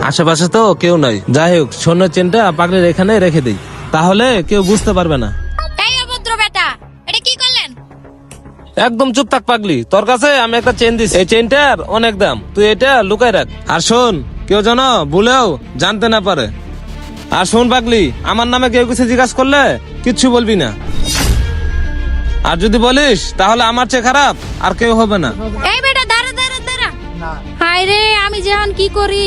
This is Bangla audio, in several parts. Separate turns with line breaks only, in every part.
আশেপাশে তো কেউ নাই, যাই হোক স্বর্ণের চেনটা পাগলির এখানে রেখে দিই, তাহলে কেউ বুঝতে পারবে না।
এই অভদ্র বেটা, এটা কি করলেন?
একদম চুপ থাক পাগলি, তোর কাছে আমি একটা চেন দিছি, এই চেনটার অনেক দাম, তুই এটা লুকাই রাখ। আর শোন, কেউ যেন ভুলেও জানতে না পারে। আর শোন পাগলি, আমার নামে কেউ কিছু জিজ্ঞাসা করলে কিচ্ছু বলবি না, আর যদি বলিস তাহলে আমার চেয়ে খারাপ আর কেউ হবে না।
এই বেটা দাঁড়া দাঁড়া দাঁড়া। হায় রে, আমি যেমন কি করি।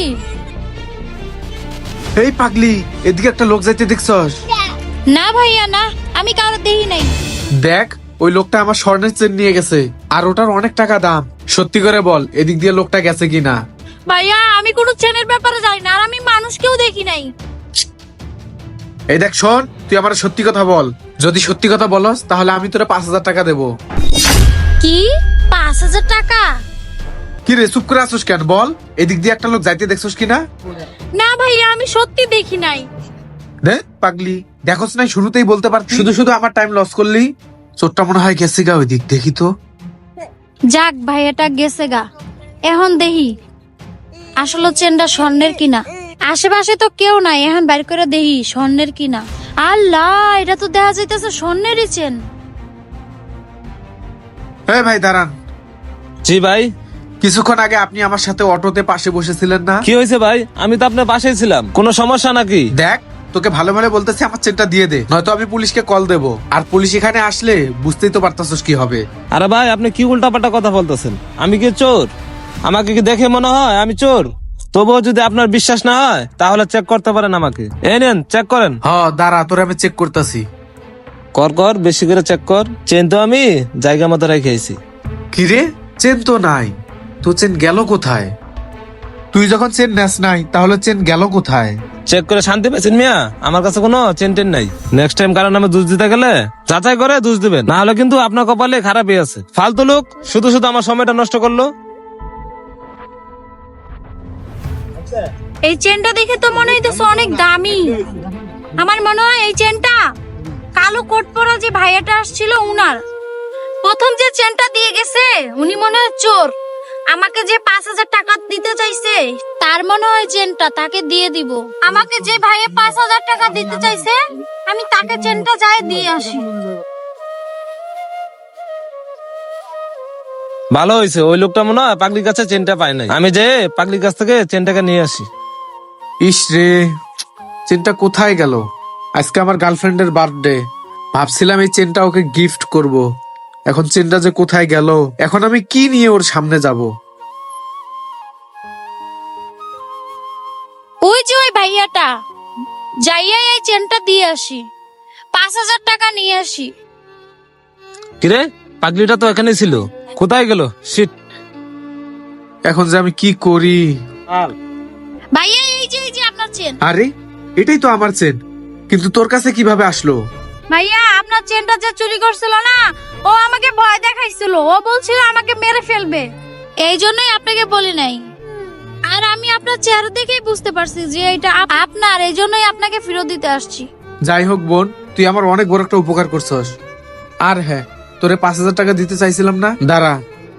এই পাগলি, এদিকে একটা লোক যাইতে দেখছস?
না ভাইয়া না, আমি কারো দেখি নাই।
দেখ, ওই লোকটা আমার স্বর্ণের চেন নিয়ে গেছে, আর ওটার অনেক টাকা দাম। সত্যি করে বল, এদিক দিয়ে লোকটা গেছে কিনা?
ভাইয়া আমি কোনো চেনের ব্যাপারে জানি না, আর আমি মানুষকেও দেখি নাই।
এই দেখ শোন, তুই আমার সত্যি কথা বল। যদি সত্যি কথা বলস তাহলে আমি তোরা 5,000 টাকা দেবো।
কি 5,000 টাকা?
কি রে, চুপ করে আসছিস কেন? বল, এদিক দিয়ে একটা লোক যাইতে দেখছস কিনা?
না ভাইয়া, আমি সত্যি দেখি নাই।
দেখ পাগলি, দেখোস নাই, শুরুতেই বলতে পারতি। শুধু শুধু আমার টাইম লস করলি। চোরটা মনে হয় গেছে গা, ওই দিক দেখি তো।
যাক ভাইয়াটা গেছে গা, এখন দেখি আসলে চেনটা স্বর্ণের কিনা। আশেপাশে তো কেউ নাই, এখন বাইর করে দেখি স্বর্ণের কিনা। আল্লাহ, এটা তো দেখা যাইতেছে স্বর্ণেরই চেন।
হ্যাঁ ভাই দাঁড়ান।
জি ভাই।
কিছুক্ষণ আগে আপনি আমার সাথে অটোতে পাশে বসেছিলেন না?
কি হয়েছে ভাই? আমি তো আপনার পাশেই ছিলাম, কোনো সমস্যা নাকি?
দেখ, তোকে ভালো ভালো বলতেছি, আমার চেনটা দিয়ে দে, নয়তো আমি পুলিশকে কল দেবো। আর পুলিশ এখানে আসলে বুঝতেই তো পারতাছিস কি হবে।
আরে ভাই, আপনি কি উল্টাপাল্টা কথা বলতেছেন? আমি কি চোর? আমাকে কি দেখে মনে হয় আমি চোর? তবুও যদি আপনার বিশ্বাস না হয় তাহলে চেক করতে পারেন আমাকে। এই নেন, চেক করেন।
দাঁড়া, তোরে আমি চেক করতেছি।
কর বেশি করে চেক কর। চেন তো আমি জায়গা মতো রেখেছি।
কি রে, চেন তো নাই, তো চেন গেল কোথায়? তুই যখন চেন নেস নাই, তাহলে চেন গেল কোথায়?
চেক করে শান্তি পেয়েছেন মিয়া? আমার কাছে কোনো চেন টেন নাই। নেক্সট টাইম কারণ নামে দুধ দিতে গেলে যাচাই করে দুধ দিবেন, না হলে কিন্তু আপনার কপালে খারাপই আছে। ফালতু লোক, শুধু শুধু আমার সময়টা নষ্ট করলো।
এই চেনটা দেখে তো মনে হইতেছে অনেক দামি। আমার মনে হয় এই চেনটা কালো কোট পরা যে ভাইয়াটা আসছিল উনার। প্রথম যে চেনটা দিয়ে গেছে উনি মনে হয় চোর। আমাকে যে 5,000 টাকা দিতে চাইছে তার মনে হয় চেনটা তাকে দিয়ে দিব। আমাকে যে ভাইয়া 5,000 টাকা দিতে চাইছে আমি তাকে চেনটা যাই দিয়ে আসি।
ভালো হয়েছে, ওই লোকটা মনে হয় পাগলির কাছে চেনটা পায় নাই। আমি যে পাগলির কাছ থেকে চেনটাকে নিয়ে আসি।
ইস রে, চেনটা কোথায় গেল? আজকে আমার গার্লফ্রেন্ডের বার্থডে, ভাবছিলাম এই চেনটা ওকে গিফট করব। এখন চেনটা যে কোথায় গেল, এখন আমি কি নিয়ে ওর সামনে যাব?
ওই যে ওই ভাইয়াটা, যাইয়া এই চেনটা দিয়ে আসি, 5,000 টাকা নিয়ে আসি।
কিরে, পাগলিটা তো এখানে ছিল, কোথায় গেল? শিট।
এখন যে আমি কি করি?
ভাইয়া এই যে আপনার চেন।
আরে, এটাই তো আমার চেন, কিন্তু তোর কাছে কিভাবে আসলো?
ভাইয়া আপনার চেনটা যে চুরি করছিল না, ও আমাকে ভয় দেখাইছিল। ও বলছিল আমাকে মেরে ফেলবে, এই জন্যই আপনাকে বলি নাই। আর আমি আপনার চেহারা দেখেই বুঝতে পারছি যে এটা আপনার, এই জন্যই আপনাকে ফেরত দিতে আসছি।
যাই হোক বোন, তুই আমার অনেক বড় একটা উপকার করছস। আর হ্যাঁ, তোরে 5,000 টাকা দিতে চাইছিলাম না, দাঁড়া,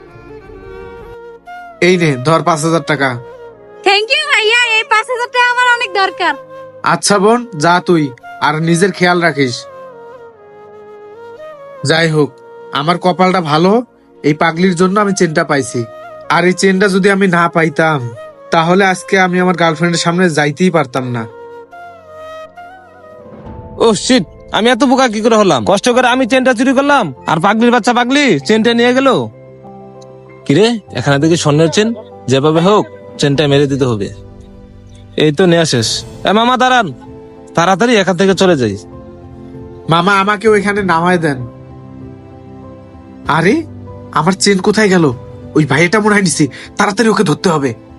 এই নে ধর 5,000 টাকা।
থ্যাংক ইউ ভাইয়া, এই 5,000 টাকা আমার অনেক দরকার।
আচ্ছা বোন, যা তুই, আর নিজের খেয়াল রাখিস। যাই হোক, আমার কপালটা ভালো, এই পাগলির জন্য আমি চেনটা পাইছি। আর এই চেনটা যদি আমি না পাইতাম, তাহলে আজকে আমি আমার গার্লফ্রেন্ডের সামনে যাইতেই পারতাম না।
ও শিট, আমি এত বোকা কি করে হলাম? কষ্ট করে আমি চেনটা চুরি করলাম, আর পাগলির বাচ্চা পাগলি চেনটা নিয়ে গেল। কিরে, এখানে দেখি স্বর্ণের চেন, যেভাবে হোক চেনটা মেরে দিতে হবে। এই তো নেওয়া শেষ। মামা দাঁড়ান, তাড়াতাড়ি এখান থেকে চলে যাই।
মামা, আমাকে ওইখানে নামায় দেন। আরে, আমার চেন কোথায় গেল? ওই ভাইটা মনে হয় নিছি, তাড়াতাড়ি ওকে ধরতে হবে।